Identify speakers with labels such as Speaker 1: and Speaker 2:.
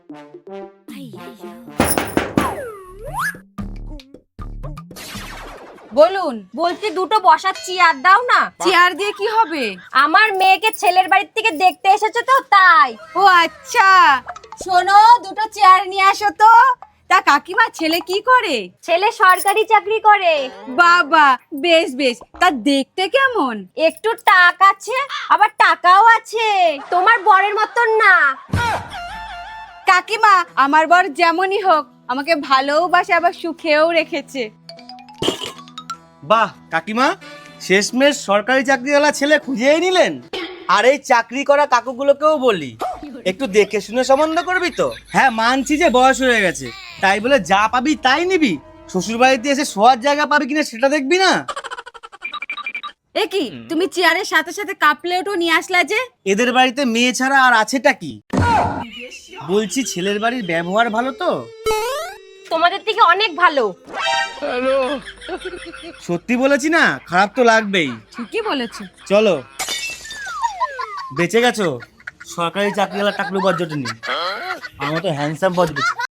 Speaker 1: বলুন।
Speaker 2: বলছি দুটো বসার চেয়ার দাও না।
Speaker 1: চেয়ার দিয়ে কি হবে?
Speaker 2: আমার মেয়েকে ছেলের বাড়ির থেকে দেখতে এসেছে তো তাই।
Speaker 1: ও আচ্ছা, শোনো দুটো চেয়ার নিয়ে আসো তো। তা কাকিমা ছেলে কি করে?
Speaker 2: ছেলে সরকারি চাকরি করে।
Speaker 1: বাবা, বেশ বেশ। তা দেখতে কেমন?
Speaker 2: একটু টাক আছে, আবার টাকাও আছে, তোমার বরের মতন না।
Speaker 1: কাকিমা, আমার বর যেমনই হোক আমাকে ভালোবাসে, আবার সুখেও রেখেছে।
Speaker 3: বাহ কাকিমা, শেষমেশ সরকারি চাকরিওয়ালা ছেলে খুঁজেই নিলেন। আর এই চাকরি করা কাকুগুলোকেও বলি, একটু দেখে শুনে সম্বন্ধ করবি তো। হ্যাঁ মানছি যে বয়স হয়ে গেছে, তাই বলে যা পাবি তাই নিবি? শ্বশুর বাড়িতে এসে শোয়ার জায়গা পাবি কিনা সেটা দেখবি না?
Speaker 1: এ কি, তুমি চেয়ারের সাথে সাথে কাপ প্লেটও নিয়ে আসলা যে?
Speaker 3: এদের বাড়িতে মেয়ে ছাড়া আর আছেটা কি? বলছি ছেলের বাড়ির ব্যবহার ভালো তো?
Speaker 2: তোমাদের থেকে অনেক ভালো।
Speaker 3: সত্যি বলেছি না, খারাপ তো লাগবেই।
Speaker 1: ঠিকই বলেছো।
Speaker 3: চলো, বেঁচে গেছো সরকারি চাকরিওয়ালা টাকলু বজ্জটি নিয়ে। আমার তো হ্যান্ডসাম বজ্জ বেঁচে।